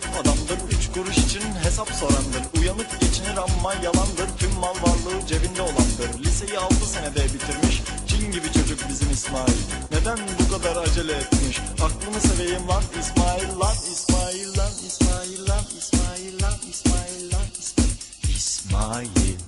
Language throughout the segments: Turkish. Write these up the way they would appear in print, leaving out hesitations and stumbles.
saf adamdır, 3 kuruş için hesap sorandır. Uyanık geçinir ama yalandır, tüm mal varlığı cebinde olandır. Liseyi 6 senede bitirmiş, cin gibi çocuk bizim İsmail. Neden bu kadar acele etmiş? Aklını seveyim lan İsmail, lan İsmail, lan İsmail, lan İsmail, lan İsmail, lan İsmail.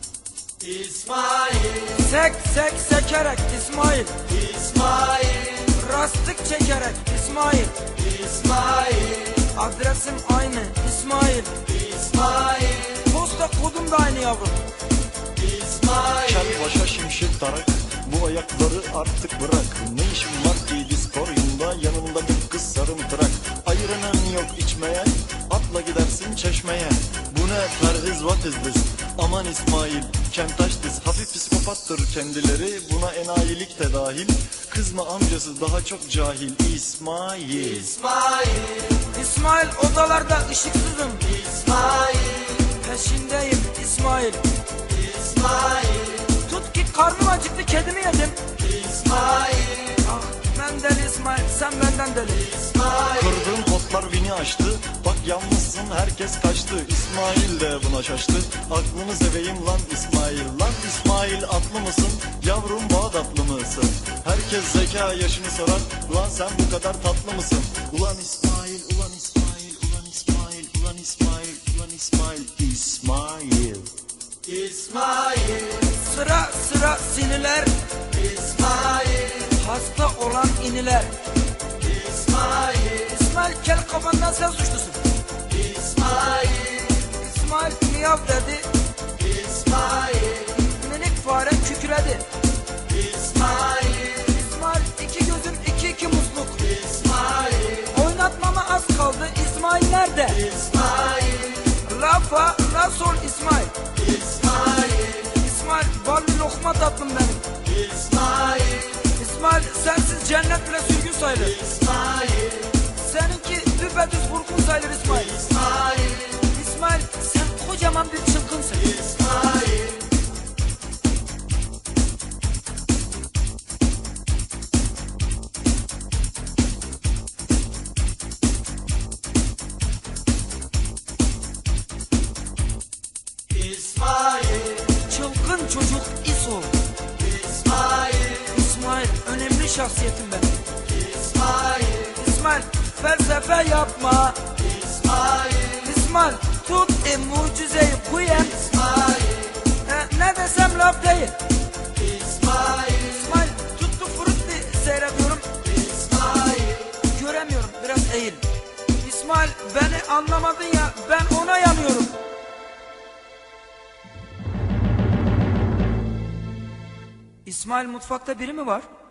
İsmail, Sek sek sekerek İsmail, İsmail, rastlık çekerek İsmail, İsmail, adresim aynı İsmail, İsmail, posta kodum da aynı yavrum. İsmail, Kel başa şimşek tarak, bu ayakları artık bırak. Ne işin var ki diskoryumda, yanında bir kız sarımtırak. Ayıranın yok içmeye, atla gidersin çeşmeye. Bu ne perhiz, what is this? Aman İsmail, kentaş diz. Hafif psikopattır kendileri, buna enayilik de dahil. Kızma amcası daha çok cahil. İsmail, İsmail, İsmail odalarda ışıksızım, İsmail, peşindeyim İsmail. İsmail, Tut ki karnım acıktı, kedimi yedim. İsmail, Ah ben deli İsmail, sen benden deli. İsmail, kırdığım potlar vini açtı. Bak yalnızsın herkes kaçtı. İsmail de buna şaştı. Aklını seveyim lan İsmail. Lan İsmail atlı mısın? Yavrum Bağdatlı mısın? Herkes zeka yaşını sorar. Ulan sen bu kadar tatlı mısın? Ulan İsmail, ulan İsmail, ulan İsmail, ulan İsmail, ulan İsmail, İsmail. İsmail, Sıra sıra siniler, İsmail, hasta olan iniler. İsmail, İsmail kel kafandan sen suçlusun. İsmail, İsmail miyav dedi, İsmail, minik fare kükredi. İsmail, İsmail iki gözüm iki musluk. İsmail, Oynatmama az kaldı, İsmail nerede? İsmail, Rafa, Rasol İsmail. İsmail, İsmail ballı lokma tatlım benim. İsmail, İsmail sensiz cennet bile sürgün sayılır. İsmail, Seninki düpedüz vurgun sayılır İsmail. İsmail, İsmail sen kocaman bir çılgınsın. İsmail, İsmail, Çılgın çocuk İso. İsmail, İsmail önemli şahsiyetim benim. İsmail, İsmail felsefe yapma. İsmail, İsmail tut mucizeyi kuyen. İsmail, Ne desem laf değil. İsmail, İsmail tuttu frutti seyrediyorum. İsmail, Göremiyorum, biraz eğil. İsmail beni anlamadın ya, ben ona yanıyorum. İsmail mutfakta biri mi var?